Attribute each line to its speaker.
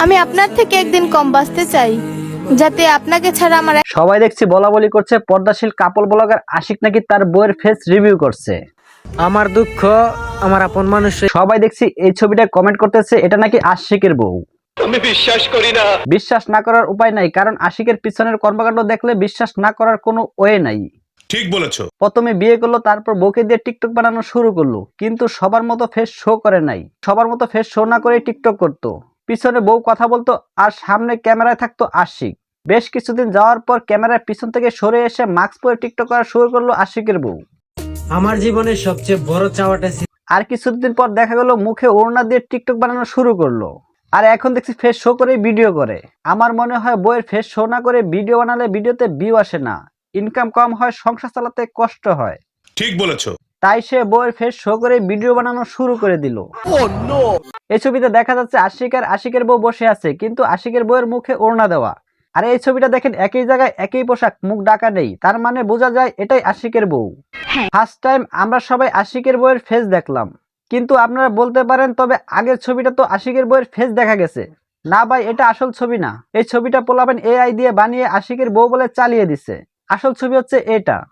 Speaker 1: আমি আপনার থেকে একদিন কম বাঁচতে চাই, যাতে আপনাকে ছাড়া আমার
Speaker 2: সবাই দেখছি বলা বলি করছে পর্দাশীল কাপল ব্লগার আশিক নাকি তার বউয়ের ফেস রিভিউ করছে।
Speaker 3: আমার দুঃখ আমার আপন মানুষ।
Speaker 2: সবাই দেখছি এই ছবিটা কমেন্ট করতেছে এটা নাকি আশিকের বউ।
Speaker 4: আমি বিশ্বাস করি না।
Speaker 2: বিশ্বাস না করার উপায় নাই, কারণ আশিকের পিছনের কর্মকাণ্ড দেখলে বিশ্বাস না করার কোনো ওয়ে নাই।
Speaker 4: ঠিক বলেছো।
Speaker 2: প্রথমে বিয়ে করলো, তারপর বউকে দিয়ে টিকটক বানানো শুরু করলো, কিন্তু সবার মতো ফেস শো করে নাই। সবার মতো ফেস শো না করে টিকটক করতো, পিছনে বউ কথা বলতো আর সামনে ক্যামেরায় থাকতো আশিক। বেশ কিছুদিন যাওয়ার পর ক্যামেরার পিছন থেকে সরে এসে মাস্ক পরে টিকটক করা শুরু করলো আশিকের বউ।
Speaker 3: আমার জীবনের সবচেয়ে বড় চাওয়াটা ছিল
Speaker 2: আর কিছুদিন পর দেখা গেল মুখে ওড়না দিয়ে টিকটক বানানো শুরু করলো, আর এখন দেখছি ফেস শো করে ভিডিও করে। আমার মনে হয় বইয়ের ফেস শো না করে ভিডিও বানালে ভিডিওতে ভিউ আসে না, ইনকাম কম হয়, সংসার চালাতে কষ্ট হয়।
Speaker 4: ঠিক বলেছো।
Speaker 2: তাই সে বইয়ের ফেস শো করে ভিডিও বানানো শুরু করে দিল। এই ছবিতে দেখা যাচ্ছে আশিক আর আশিকের বউ বসে আছে, কিন্তু আশিকের বউয়ের মুখে ওড়না দেওয়া। আর এই ছবিটা দেখেন একই জায়গায় একই পোশাক, মুখ ঢাকা নেই, তার মানে বোঝা যায় এটাই আশিকের বউ। ফার্স্ট টাইম আমরা সবাই আশিকের বউয়ের ফেস দেখলাম, কিন্তু আপনারা বলতে পারেন তবে আগের ছবিটা তো আশিকের বউয়ের ফেস দেখা গেছে। না ভাই, এটা আসল ছবি না, এই ছবিটা পোলাবেন এআই দিয়ে বানিয়ে আশিকের বউ বলে চালিয়ে দিছে। আসল ছবি হচ্ছে এটা।